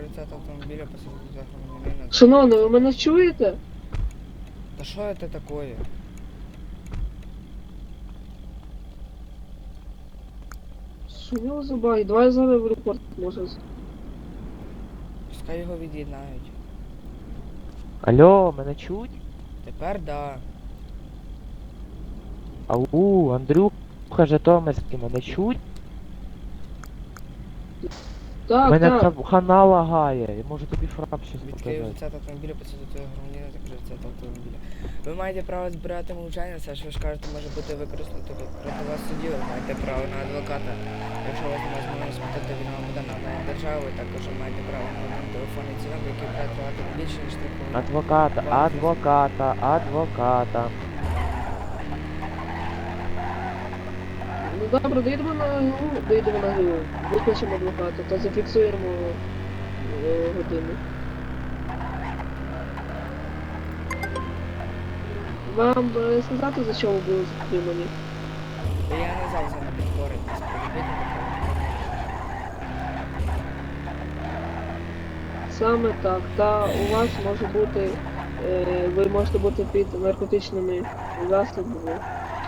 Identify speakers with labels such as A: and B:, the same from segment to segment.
A: 30 автомобіля посадити за громадянина.
B: Шановний, ви мене чуєте?
A: Та що це таке?
B: Що в нього за баги? Давай зараз в аеропорт може.
A: Пускай його від'єднають.
C: Алло, мене чуть?
A: Тепер да.
C: Ау, Андрюха Житомирський, мене чуть?
B: Так,
C: Мене
B: так.
C: хана лагає, я можу тобі фрап щось
A: Відкрив
C: показати.
A: 30 автомобіля посадити громадянина, закрив 30 автомобіля. Ви маєте право збирати мовчання, все, що ви скажете, може бути використано проти вас в суді, ви маєте право на адвоката. Якщо у вас немає змоги сплатити, він вам буде наданий державою, також ви маєте право на один телефонний дзвінок, який буде тривати більше, ніж 3 хвилини.
C: Адвоката, адвоката, адвоката.
B: Ну добре, доїдемо на ГУ. Викличемо адвоката та зафіксуємо годину. Вам сказати, за що ви були затримані?
A: Бо я не завжди на підкоритись,
B: Саме так. Та у вас може бути, ви можете бути під наркотичними засобами.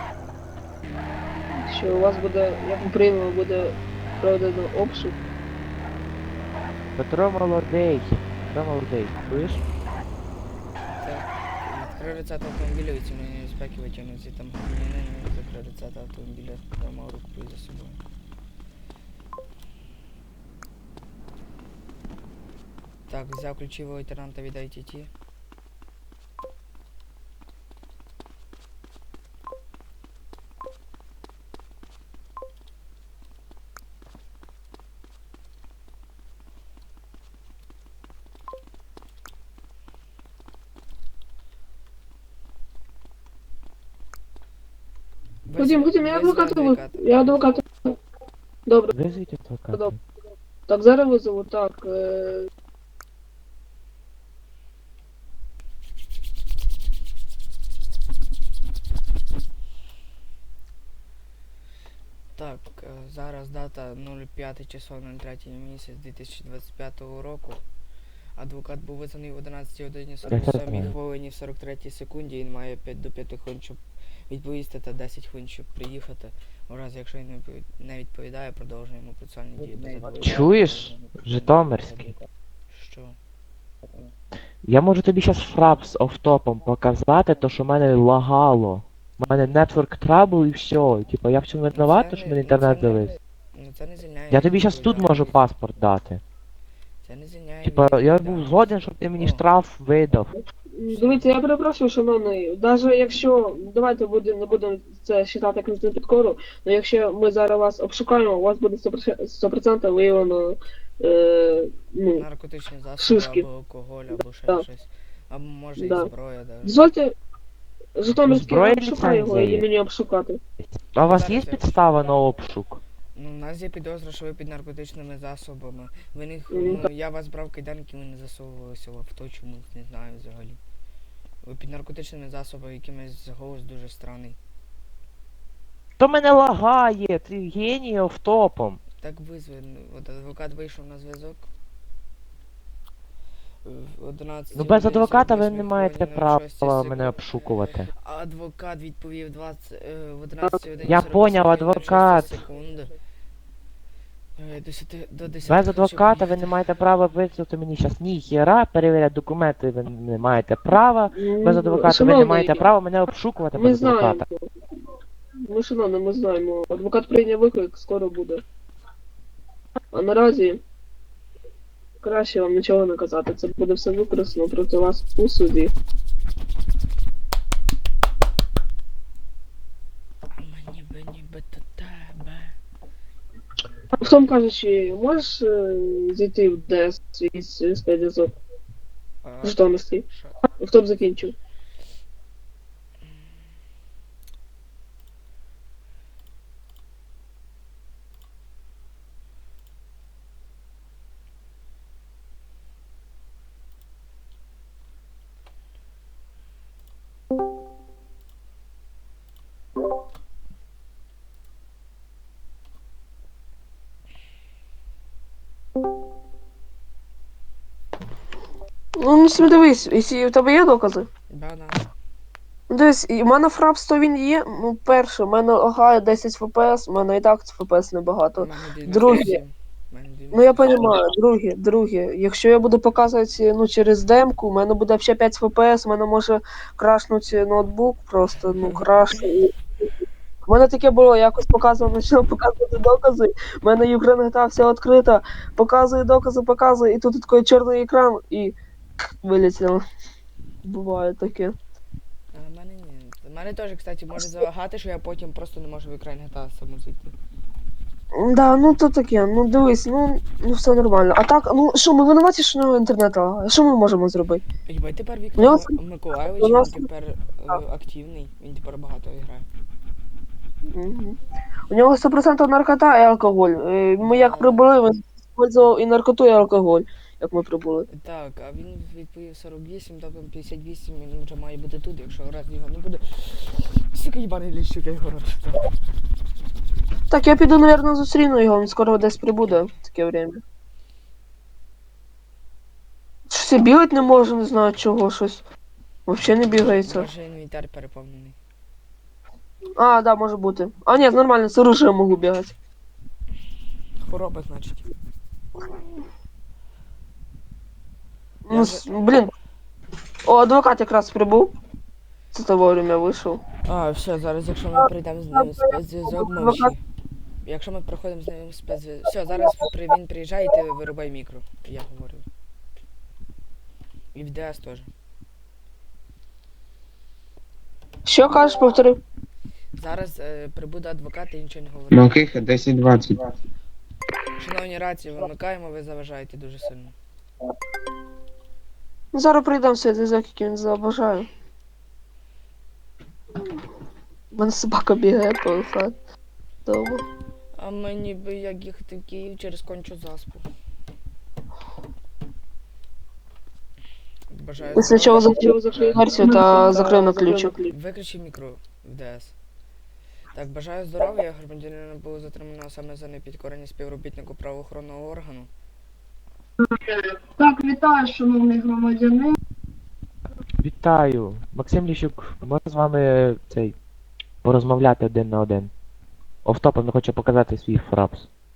B: Що у вас буде, як ми приймемо, буде проведено обшук.
C: Петро молодий. Петро молодий. Чуєш?
A: Відкрив 30 автомобіля, від сімейної безпеки витягнув ці там громадянина, закрив 30 автомобіля, тримав руку за собою. Так, взяв ключі у лейтенанта від ITT.
B: Ходім, я адвоката. Добре,
C: Визвіть адвоката.
B: добре. Так, зараз визову, так.
A: Так, зараз дата 05 число 03 місяць 2025 року. Адвокат був визнаний в 11 годині 47 хвилині 43 секунді. Він має 5 до 5 хвилин, щоб відповісти, та 10 хвилин, щоб приїхати. У разі, якщо він не відповідає, продовжуємо процесуальні дії без адвоката.
C: Чуєш? Житомирський.
A: Що?
C: Я можу тобі зараз фрап з офтопом показати, то що в мене лагало. У мене network trouble і все. Типа я в цьому винуватий, що в мене інтернет завис.
A: Ну це не звільняє.
C: Я тобі зараз тут можу паспорт дати.
A: Це не звільняє.
C: Типа я був згоден, щоб ти мені штраф видав.
B: Дивіться, я перепрошую, шановний, навіть якщо, давайте не будемо це вважати як не підкору, але якщо ми зараз вас обшукаємо, у вас буде 100% виявлено, ну,
A: Наркотичні засоби,
B: шишки.
A: або алкоголь, або ще
B: Так.
A: щось. Або може
B: Да.
A: і зброя, да.
B: Дозвольте, Житомирський
C: Зброя
B: обшукає його
C: ліцензія
B: і
C: є.
B: мені обшукати.
C: А у вас
A: Зараз
C: є
A: я
C: підстава на обшук?
A: Ну, у нас є підозра, що ви під наркотичними засобами. Ви не,
B: Ну,
A: ну, я вас брав кайданки, ви не засовувалися в авто чомусь, не знаю взагалі. Ви під наркотичними засобами, якимось голос дуже странний.
C: То мене лагає, ти геній офтопом.
A: Так визви, от адвокат вийшов на зв'язок. В 11
C: Ну без
A: годині
C: адвоката ви
A: 48
C: не маєте
A: хвилині
C: права
A: 06 секунд.
C: мене обшукувати.
A: Адвокат відповів в 11 годині
C: Я
A: 48
C: поняв,
A: хвилин 06
C: адвокат.
A: секунд. До 10
C: Без адвоката ви не маєте права вислати мені зараз ніхера, перевіряти документи ви не маєте права. Без адвоката ви не
B: Шановний,
C: маєте права мене обшукувати
B: Ми
C: без
B: знаємо.
C: адвоката.
B: Ну, шановний, ми знаємо. Адвокат прийняв виклик, скоро буде. А наразі краще вам нічого не казати. Це буде все використано проти вас у суді.
A: Мені би ніби до тебе.
B: В тому кажучи, можеш зайти в ДС свій спецзв'язок? Житомирський.
A: Що?
B: Хто б закінчив? Ну, дивись, якщо у тебе є докази.
A: Да.
B: Ну, дивись, і в мене фрапс, то він є. Ну, перше, в мене лагає 10 ФПС, в мене і так ФПС
A: У
B: небагато.
A: мене
B: Друге,
A: 97. У мене
B: ну я
A: 97.
B: розумію, друге, якщо я буду показувати ну, через демку, у мене буде ще 5 ФПС, у мене може крашнути ноутбук, просто, ну, крашне. У мене таке було, якось почав показувати докази, у мене Ukraine GTA вся відкрита, показує докази, показує, і тут такий чорний екран, і вилетіло. Буває таке.
A: А в мене ні. У мене теж, кстати, може залагати, що я потім просто не можу в екран GTA саму зайти.
B: Да, ну то таке, ну дивись, ну все нормально. А так, ну що, ми винуваті, що немає інтернету, а що ми можемо зробити?
A: Хіба тепер
B: Ну,
A: Віктор Миколайович,
B: у
A: він
B: нас-
A: тепер активний, він тепер багато грає.
B: Мгм. У нього 100% наркота і алкоголь. Ми як прибули, він використовував і наркоту, і алкоголь, як ми прибули.
A: Так, а він відповів 48, тобто 58, він вже має бути тут, якщо раз його не буде. Сука, їбаний ліщук, я його розчитав.
B: Так, я піду, мабуть, зустріну його, він скоро десь прибуде в таке время. Щось я бігати не можу, не знаю чого, щось. Взагалі не бігається.
A: Може інвентар переповнений.
B: А, да, може бути. А, ні, нормально, з оружием можу бігати.
A: Хвороба, значить.
B: Ну, блін. О, адвокат якраз прибув. Це то вовремя вийшов.
A: А, все, зараз якщо ми прийдемо з ним спецзв'язок, мовчи. Якщо ми проходимо з ним спецзв'язок. Все, зараз він приїжджає, і ти вирубай мікро. Я говорю. І в ДС теж.
B: Що кажеш, повтори?
A: Зараз прибуде адвокат і нічого не говорить.
D: Малкиха 10-20.
A: Шановні рації, вимикаємо, ви заважаєте дуже сильно.
B: Зараз прийдемо свій зв'язок, який він забажає. У мене собака бігає по хаті. Дома.
A: А мені би як їхати в Київ через кончу заспу. Бажаю
B: Після чого
A: здоров'я.
B: закрив версію та закрив на ключик.
A: Виключи мікро в ДС. Так, бажаю здоров'я. Громадянина було затримано саме за непідкорення співробітнику правоохоронного органу.
E: Так, вітаю, шановний громадянин.
C: Вітаю. Максим Ліщук, можна з вами порозмовляти один на один? Офтопом не хочу показати свій фрапс.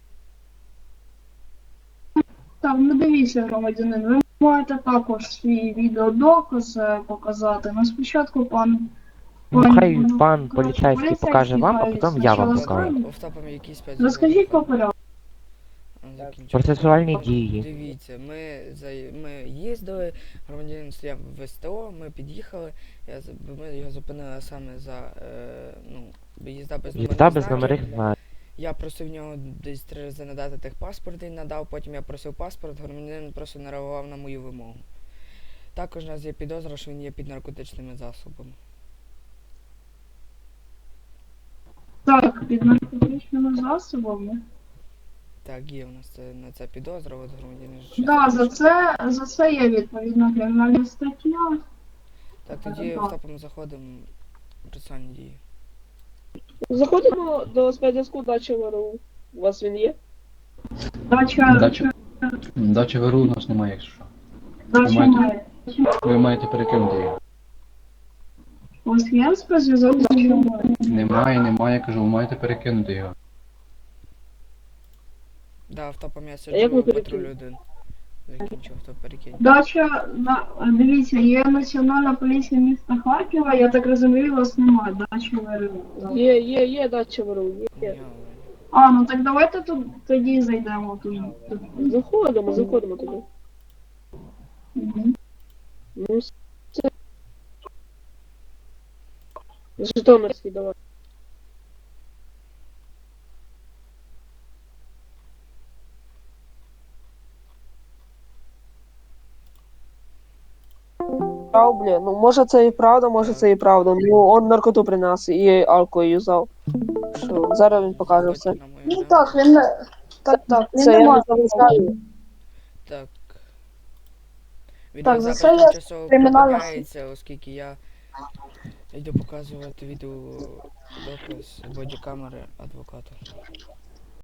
E: Так, ну дивіться, громадянин, ви маєте також свій відеодоказ показати. Ну, спочатку пан...
C: Ну, хай
E: ну,
C: пан поліцейський покаже вам, а
E: хай
C: потім я вам
E: спочатку
C: покажу.
E: скаже.
A: Офтопом якийсь спецзв'язок.
E: Розкажіть по порядку.
A: Закінчу.
C: Процесуальні дії.
A: Дивіться, ми їздили, громадянин стояв в СТО, ми під'їхали, ми його зупинили саме за їзда без номерних
C: Їзда без
A: знаків.
C: номерних знаків.
A: Я просив в нього десь 3 рази надати техпаспорт, він надав, потім я просив паспорт, громадянин просто не реагував на мою вимогу. Також у нас є підозра, що він є під наркотичними засобами.
E: Так, під наркотичними засобами.
A: Так, є у нас на це підозра, от громадянин.
E: Так, за це є відповідна кримінальна стаття.
A: Так, тоді автопом заходимо в процесуальні дії.
B: Заходимо до спецзв'язку дачі ВРУ. У вас він є?
F: Дачі ВРУ у нас немає, якщо що.
E: Дача має.
F: Ви маєте перекинути її.
E: Ось є спецзв'язок, дача має.
F: Немає, кажу, ви маєте перекинути його.
A: Да, автопом я
B: як
A: сиджу
B: ви
A: в патрулю
B: перекинете?
A: 1. Закінчив, хто перекинь.
E: Дивіться, є Національна поліція міста Харкова, я так розумію, у вас немає дачі ВРУ.
B: Є дача ВРУ, є.
E: А, ну так давайте тоді зайдемо туди.
B: Заходимо туди.
E: Мгм.
B: Ну, це... Житомирський, давай. Блін, ну може це і правда, може це і правда. Ну, он наркоту принес і алкоголь юзав. Що, зараз він покаже все.
E: Ну так, він не...
B: Так,
E: він
B: це
E: не
B: я не
E: має.
B: залишаю.
A: Так.
E: Так, за
A: Відеозапис
E: це я
A: тимчасово
E: кримінальна
A: припиняється, оскільки я йду показувати відеодоказ бодікамери адвоката.